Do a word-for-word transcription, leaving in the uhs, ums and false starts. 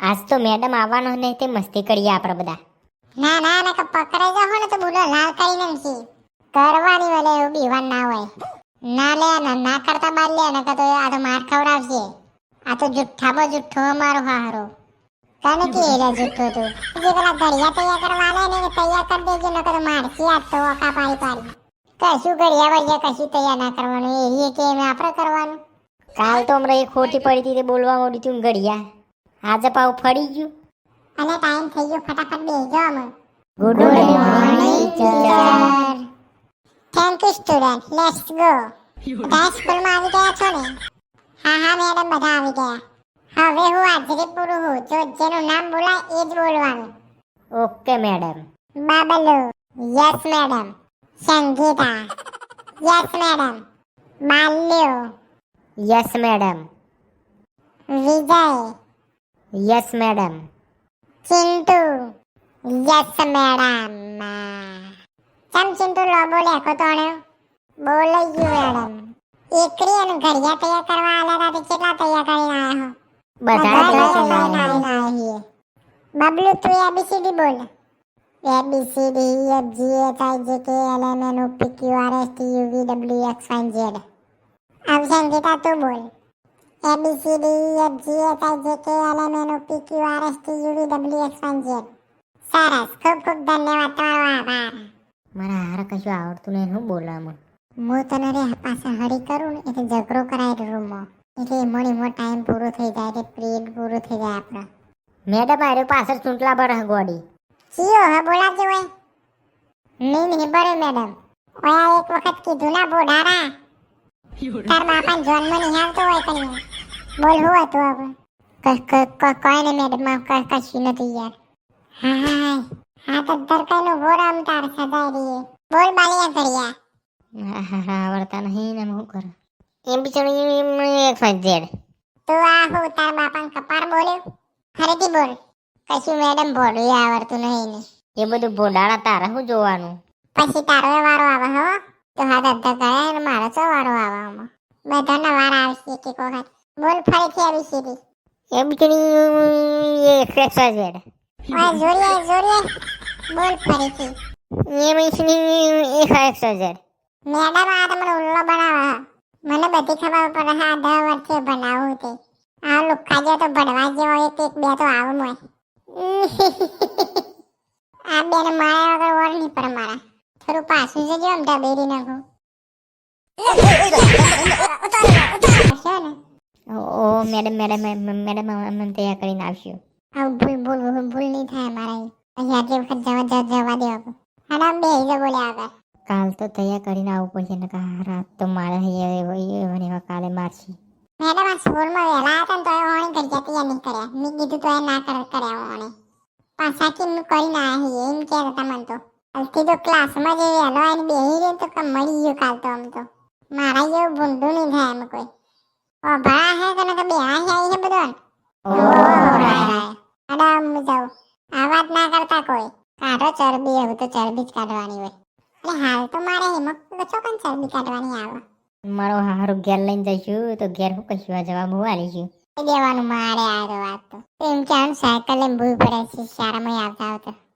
આજ તો મેડમ આવવાનો ને તે મસ્તી કરીએ આપણે બધા. ના ના ના પકડાઈ જાવ ને તો બોલો લાલ કરીને નથી કરવાની વલે એવું બીવાન ના હોય. ના લે ના ના કરતા બાર લે ને તો આ તો માર ખવડાવશે. આ તો જુઠ્ઠા બો જુઠ્ઠો મારો હારો. કાને કે એલા જુઠ્ઠો તો જે પેલા ઘડિયા તૈયાર કરવા લે ને તૈયાર કરી દેજો ન તો મારસી આ તો ઓકા પાડી પાડી. કશું ઘડિયા વળિયા કશું તૈયાર ના કરવાનું એ કે આપણે કરવાનું. કાલ તો હમણાં એ ખોટી પડી હતી તે બોલવા મોડી તું ઘડિયા. આજે પાવ ફરી ગયું. અને ટાઈમ થઈ ગયો ફટાફટ બેસજો અમે. Good morning teacher. Thank you student let's go. બધા સ્કૂલમાં આવી ગયા છો ને? હા હા મેડમ બધા આવી ગયા. હવે હું હાજરી પૂરું હું જો જેનું નામ બોલાય એ જ બોલવાનું. Okay madam. Bablo yes madam. Sangita yes madam. Balyo yes madam. Vijay yes madam. Chintu yes madam. ચમ ચિંટુ લો બોલે કો તોણે બોલે ગયું મેડમ. એકરી અને ઘડિયા તૈયાર કરવા આલા હતા કેટલા તૈયાર કરીને આયા હો? બધા બધા લઈને આયા. બબલુ તું એબીસીડી બોલ. A B C D F G H I J K L M N O P Q R S T U V W X Y Z. अब संगीता तू बोल. A B C D F G H I J K L M N O P Q R S T U V W X Y Z. સરસ ખૂબ ખૂબ ધન્યવાદ તમારો આભાર. મારા હારા કશું આવડતું નહીં હું બોલામાં. હું તને રે પાછા હરી કરું ને એટલે ઝઘડો કરાય રૂમમાં એટલે મોડી મોટો ટાઈમ પૂરો થઈ જાય એટલે પીરિયડ પૂરો થઈ જાય આપણો. મેડમ આરે પાછળ ચૂંટલા પર ગોડી. ચિયો હે બોલાવજો હોય. નહીં નહીં બરે મેડમ. ઓયા એક વખત કીધું ના બોડારા. તાર બાપા જન્મ નહીં આવતો હોય કન્યા. બોલ હું હતું હવે? કોઈ ને મેડમ કશું નથી યાર. હા હા હા તો દરકાઈનો ગોરામ તાર સદાય રહીએ. બોલ બાલિયા ઘડિયા. હા હા હા આવડતા નહીં ને હું કરું. એમ બિચારી એક્સ વાય ઝેડ. તું આ હું તાર બાપાને કપાર બોલ્યો? ફરીથી બોલ. કશું મેડમ બોલું આવડતું નહીં ને. એ બધું ભોડાળા તારા શું જોવાનું? પછી તારો વારો આવે હો. તો હા ધંધા કરે ને મારો ચો વારો આવે આમાં. બધાના વાર આવશે એક એક વખત. બોલ ફરીથી આવી સીધી. એ બિચારી એક્સ વાય ઝેડ. ઓય જોરીએ જોરીએ. બોલ ફરીથી. એ બિચારી એક્સ વાય ઝેડ. મેડમ આ તમને ઉલ્લો બનાવે. મને બધી ખબર પડે હા દસ વર્ષે બનાવું તે. આ લુખા જો તો ભણવા જેવો એક એક બે તો આવું હોય. આ બેને મારા વગર ઓર નહીં પર મારા. થોડું પાછું જજો આમ ડબેરી નાખું. ઓ મેડમ મેડમ મેડમ અમે તૈયાર કરીને આવશું. આવ ભૂલ ભૂલ ભૂલ ભૂલ નહીં થાય મારા. અહીંયા આટલી વખત જવા જવા દે હવે. આના બે હિજો બોલ્યા આગળ. કાલ તો તૈયાર કરીને આવવું પડશે ને કા રાત તો મારે અહીંયા કાલે મારશી. મેડમ આ સ્કૂલમાં વહેલા હતા ને તો એ ઓણી કરી જતી નહીં કર્યા. મેં કીધું તો એ ના કર કર્યા ઓણી. પાછા કે મેં કરીને આવ્યા એમ કહેતા હતા મને તો. અલથી તો ક્લાસમાં જે વહેલો આવીને બેસી રહી તો કમ મળી ગયું કાલ તો આમ તો. મારા જેવું ભૂંડું નહીં થાય એમ કોઈ. ઓ ભણા હે તને તો બે હાઈ આવી છે બધો. મેડમ હું જાઉં. આ વાત ના કરતા કોઈ. કાઢો ચરબી એવું તો ચરબી જ કાઢવાની હોય. એટલે હાલ તો મારે હિમક ચોકન ચરબી કાઢવાની આવે. મારો હારું ઘેર લઈને જઈશું તો ઘેર હું કશું જવાબ હું આલીશું. દેવાનું મારે આ વાત તો એમ કે સાયકલ લઈને ભૂલ પડે છે શાળામાં આવતા આવતા.